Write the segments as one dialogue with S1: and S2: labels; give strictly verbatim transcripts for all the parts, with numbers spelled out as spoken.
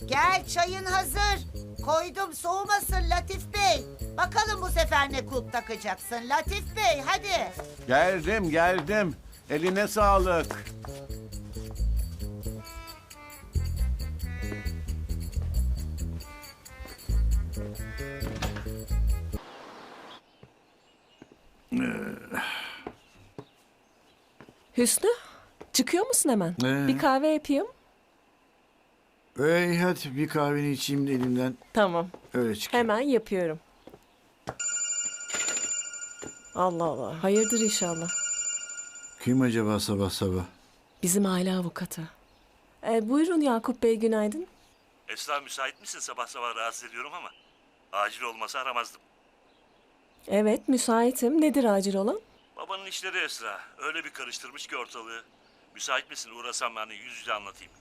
S1: Gel, çayın hazır. Koydum, soğumasın Latif Bey. Bakalım bu sefer ne kulp takacaksın Latif Bey, hadi.
S2: Geldim geldim. Eline sağlık.
S3: Hüsnü, çıkıyor musun hemen?
S4: Ee?
S3: Bir kahve yapayım.
S4: Ey hadi bir kahveni içeyim de elimden
S3: Tamam,
S4: öyle çık.
S3: hemen yapıyorum. Allah Allah, hayırdır inşallah.
S4: Kim acaba sabah sabah?
S3: Bizim aile avukatı. Ee, buyurun Yakup Bey, günaydın.
S5: Esra müsait misin? Sabah sabah rahatsız ediyorum ama. Acil olmasa aramazdım.
S3: Evet, müsaitim. Nedir acil olan?
S5: Babanın işleri Esra. Öyle bir karıştırmış ki ortalığı. Müsait misin? Uğrasam ben de yüz yüze anlatayım.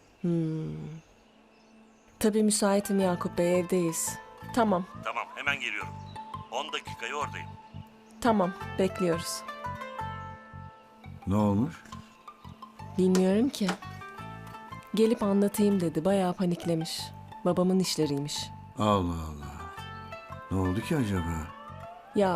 S3: Tabii müsaitim Yakup Bey, evdeyiz. Tamam,
S5: Tamam hemen geliyorum. On dakikaya oradayım.
S3: tamam, bekliyoruz.
S4: Ne olmuş?
S3: Bilmiyorum ki. Gelip anlatayım dedi, bayağı paniklemiş. Babamın işleriymiş.
S4: Allah Allah. Ne oldu ki acaba?
S3: Ya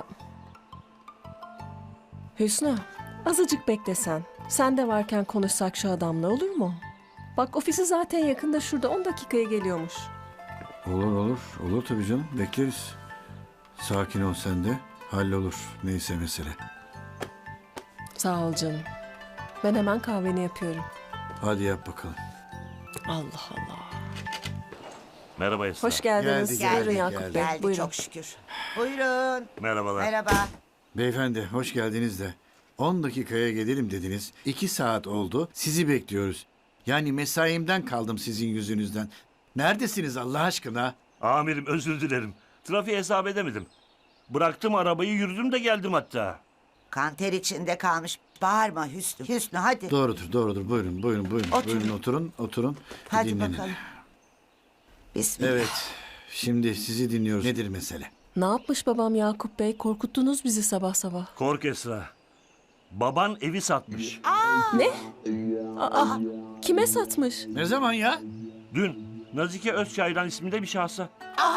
S3: Hüsnü, azıcık beklesen. Sen de varken konuşsak şu adamla, olur mu? Bak, ofisi zaten yakında, şurada, on dakikaya geliyormuş.
S4: Olur olur. Olur tabii canım. Bekleriz. Sakin ol sen de. Hallolur. Neyse mesele.
S3: Sağ ol canım. Ben hemen kahveni yapıyorum.
S4: Hadi yap bakalım.
S3: Allah Allah.
S5: Merhaba Esra.
S3: Hoş geldiniz.
S4: Geldi,
S3: Buyurun
S4: geldi,
S3: Yakup
S4: geldi.
S3: Bey,
S1: Geldi
S3: buyurun.
S1: çok şükür. Buyurun.
S5: Merhabalar.
S1: Merhaba.
S4: Beyefendi hoş geldiniz de. on dakikaya gelelim dediniz. iki saat oldu. Sizi bekliyoruz. Yani mesaimden kaldım sizin yüzünüzden. Neredesiniz Allah aşkına?
S5: Amirim özür dilerim. Trafiğe hesap edemedim. Bıraktım arabayı, yürüdüm de geldim hatta.
S1: Kanter içinde kalmış. Bağırma Hüsnü. Hüsnü hadi.
S4: Doğrudur doğrudur. Buyurun buyurun buyurun.
S1: Oturun.
S4: Buyurun oturun oturun.
S1: Hadi
S4: Dinlenin.
S1: bakalım. Bismillah.
S4: Evet. Şimdi sizi dinliyoruz. Nedir mesele?
S3: Ne yapmış babam Yakup Bey? Korkuttunuz bizi sabah sabah.
S5: Kork Esra. Baban evi satmış.
S3: Ne? Aa, kime satmış?
S4: Ne zaman ya?
S5: Dün Nazike Özçaylan isminde bir şahsa.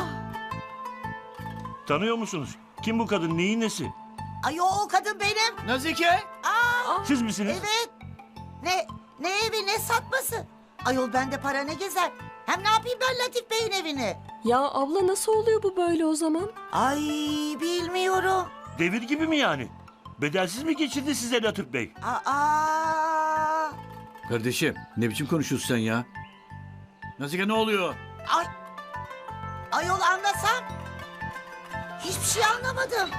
S5: Tanıyor musunuz? Kim bu kadın? Neyin nesi?
S1: Ay o kadın benim.
S4: Nazike?
S5: Siz misiniz?
S1: Evet. Ne ne evi ne satması? Ayol bende para ne gezer? Hem ne yapayım ben Latif Bey'in evini?
S3: Ya abla, nasıl oluyor bu böyle o zaman?
S1: Ay bilmiyorum.
S5: Devir gibi mi yani? Bedelsiz mi geçirdi size Latif Bey?
S1: Aa.
S4: Kardeşim ne biçim konuşuyorsun sen ya? Nazike ne oluyor?
S1: Ay. Ayol anlasam. Hiçbir şey anlamadım.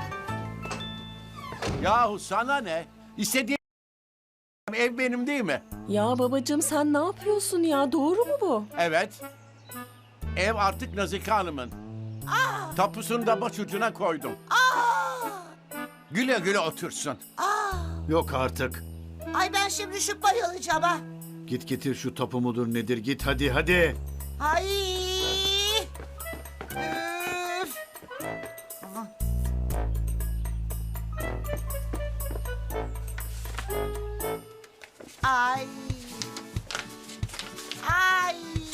S2: Yahu sana ne? İstediğim ev benim değil mi?
S3: Ya babacığım, sen ne yapıyorsun ya? Doğru mu bu?
S2: Evet. Ev artık Nazike Hanım'ın. Tapusunu da başucuna koydum. Güle güle otursun.
S4: Yok artık.
S1: Ay ben şimdi düşüp bayılacağım ha.
S4: Git getir şu tapu mudur nedir git hadi hadi.
S1: Ay. Üf. Ay. Ay.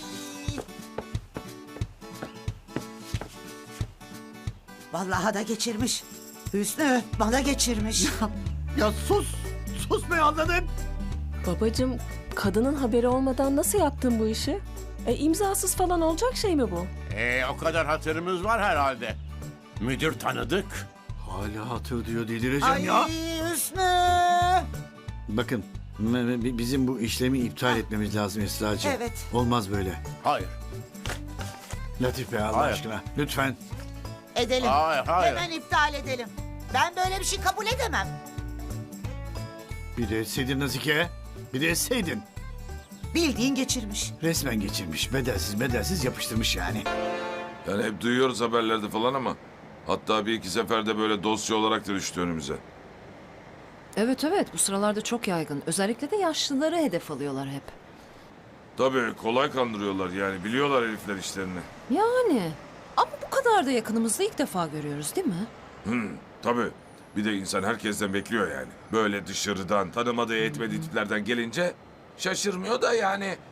S1: Vallahi da geçirmiş. Hüsnü bana geçirmiş.
S4: Ya sus. Sus be anladım.
S3: Babacığım, kadının haberi olmadan nasıl yaptın bu işi? E, imzasız falan olacak şey mi bu?
S2: Ee, o kadar hatırımız var herhalde. Müdür tanıdık.
S4: Hala hatır diyor delireceğim
S1: Ay
S4: ya.
S1: Hüsnü.
S4: Bakın m- m- bizim bu işlemi iptal etmemiz lazım Esra'cığım.
S1: Evet.
S4: Olmaz böyle.
S2: Hayır.
S4: Latif Bey Allah
S2: Hayır.
S4: aşkına lütfen.
S1: Edelim.
S2: Hayır, hayır.
S1: Hemen iptal edelim. Ben böyle bir şey kabul edemem.
S4: Bir de etseydin Nazike. Bir de etseydin.
S1: Bildiğin geçirmiş.
S4: Resmen geçirmiş. Bedelsiz bedelsiz yapıştırmış yani.
S6: Yani hep duyuyoruz haberlerde falan ama hatta bir iki seferde böyle dosya olarak da düştü önümüze.
S7: Evet evet, bu sıralarda çok yaygın. Özellikle de yaşlıları hedef alıyorlar hep.
S6: Tabii kolay kandırıyorlar yani biliyorlar herifler işlerini.
S7: Yani ama bu kadar da yakınımızda ilk defa görüyoruz değil mi?
S6: Tabii bir de insan herkesten bekliyor yani. Böyle dışarıdan tanımadığı etmediği tiplerden gelince şaşırmıyor da yani.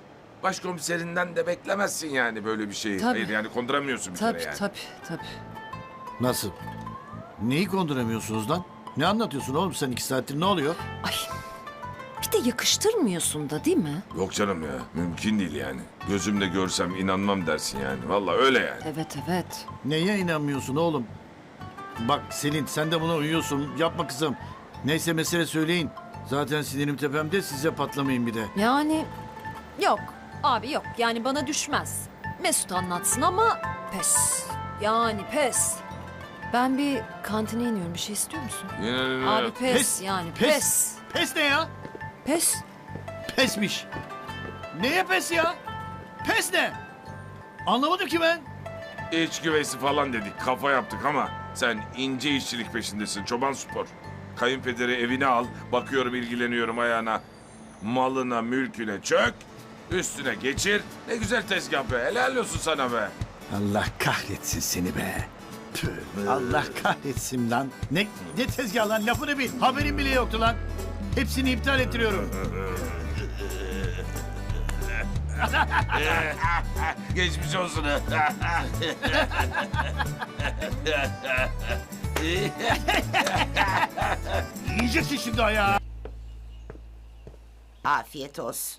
S6: başkomiserinden de beklemezsin yani böyle bir şeyi.
S7: Tabii.
S6: Hayır yani konduramıyorsun bir
S7: Tabii
S6: kere yani.
S7: tabii tabii.
S4: Nasıl? Neyi konduramıyorsunuz lan? Ne anlatıyorsun oğlum sen iki saattir, ne oluyor?
S7: Ay bir de yakıştırmıyorsun da değil mi?
S6: Yok canım ya, mümkün değil yani. Gözümle görsem inanmam dersin yani. Vallahi öyle yani.
S7: Evet evet.
S4: Neye inanmıyorsun oğlum? Bak Selin, sen de buna uyuyorsun. Yapma kızım. Neyse mesele söyleyin. Zaten sinirim tepemde, size patlamayın bir de.
S7: Yani yok abi yok yani bana düşmez. Mesut anlatsın ama pes. Yani pes. Ben bir kantine iniyorum, bir şey istiyor musun?
S6: Yine-
S7: Abi pes,
S4: Pes,
S7: yani
S4: pes.
S7: pes.
S4: Pes ne ya?
S7: Pes.
S4: Pesmiş. Neye pes ya? Pes ne? Anlamadım ki ben.
S6: İç güveysi falan dedik, kafa yaptık ama sen ince işçilik peşindesin, çoban spor. Kayınpederi evine al, bakıyorum ilgileniyorum ayağına. Malına, mülküne çök, üstüne geçir. Ne güzel tezgah be, helal olsun sana be.
S4: Allah kahretsin seni be. Tüh, Allah kahretsin lan. Ne, ne tezgah lan, lafını bil. Haberim bile yoktu lan. Hepsini iptal ettiriyorum.
S6: Geçmiş olsun.
S4: Yiyeceksin şimdi ayağı.
S1: Afiyet olsun.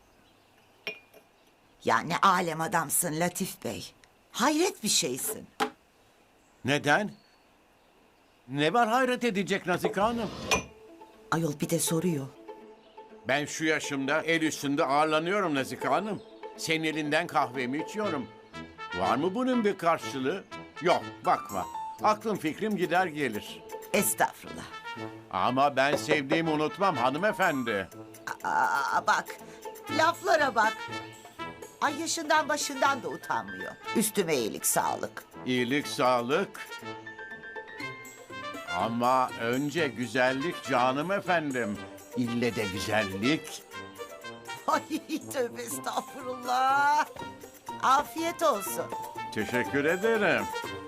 S1: Ya ne alem adamsın Latif Bey. Hayret bir şeysin.
S2: Neden? Ne var hayret edecek Nazike Hanım?
S1: Ayol bir de soruyor.
S2: Ben şu yaşımda el üstünde ağırlanıyorum Nazike Hanım. Senin elinden kahvemi içiyorum. Var mı bunun bir karşılığı? Yok, bakma. Aklım fikrim gider gelir.
S1: Estağfurullah.
S2: Ama ben sevdiğimi unutmam hanımefendi.
S1: Aa, bak, laflara bak. Ay yaşından başından da utanmıyor. Üstüme iyilik sağlık.
S2: İyilik, sağlık. Ama önce güzellik canım efendim. İlle de güzellik.
S1: Ay tövbe estağfurullah. Afiyet olsun.
S2: Teşekkür ederim.